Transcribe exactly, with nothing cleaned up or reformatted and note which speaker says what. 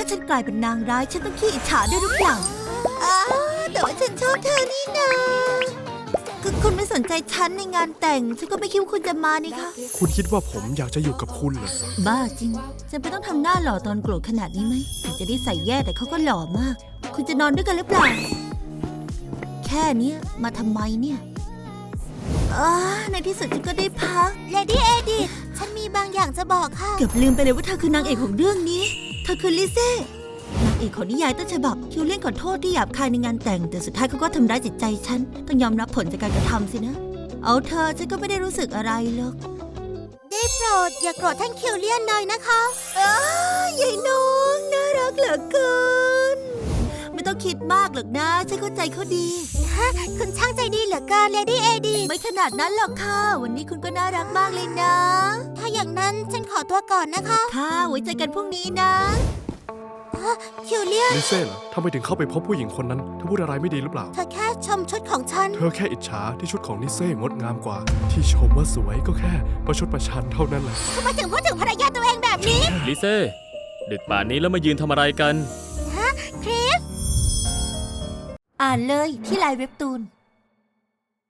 Speaker 1: าฉันกลายเป็นนางร้ายฉันต้องขี้อิจฉาด้วยหรือเปล่าอ้าแต่ว่าฉันชอบเธอนี่นาก็คุณไม่สนใจฉันในงานแต่งฉันก็ไม่คิดว่าคุณจะมานี่คะ
Speaker 2: คุณคิดว่าผมอยากจะอยู่กับคุณเหรอ
Speaker 1: บ้าจริงจะไม่ต้องทำหน้าหล่อตอนโกรธขนาดนี้ไหมถึงจะได้ใส่แย่แต่เขาก็หล่อมากคุณจะนอนด้วยกันหรือเปล่าแค่นี้มาทำไมเนี่ยอ๋อในที่สุดฉันก็ได้พักเลดี้เอดิธฉันมีบางอย่างจะบอกค่ะเกือบลืมไปเลยว่าเธอคือนางเอกของเรื่องนี้เธอคือลิเซ่นางเอกของนิยายต้นฉบับคิวเล่นขอโทษที่หยาบคายในงานแต่งแต่สุดท้ายเขาก็ทำร้ายจิตใจฉันต้องยอมรับผลจากการกระทำสินะเอาเธอฉันก็ไม่ได้รู้สึกอะไรหรอกได้โปรดอย่าโกรธท่านคิวเลียนหน่อยนะคะอ้ายายน้องน่ารักเหลือเกินไม่ต้องคิดมากหรอกนะฉันเข้าใจเขาดีฮะคุณช่างใจดีเหลือเกินเลดี้เอดีไม่ขนาดนั้นหรอกค่ะวันนี้คุณก็น่ารักมากเลยนะ ถ้าอย่างนั้นฉันขอตัวก่อนนะคะค่ะไว้เจอกันพรุ่งนี้นะคิวเลียน
Speaker 2: ลิเซ่เหรอทำไมถึงเข้าไปพบผู้หญิงคนนั้นเธอพูดอะไรไม่ดีหรือเปล่า
Speaker 1: เธอแค่ชมชุดของฉัน
Speaker 2: เธอแค่อิจฉาที่ชุดของลิเซ่งดงามกว่าที่ชมว่าสวยก็แค่ประชดประชันเท่านั้นแหละ
Speaker 1: ทำไมถึงพูดถึงภรรยาตัวเองแบบนี้
Speaker 3: ลิเซ่ดึกป่านนี้แล้วมายืนทำอะไรกัน
Speaker 1: ฮะคริสอ่านเลยที่ไลน์เว็บตูน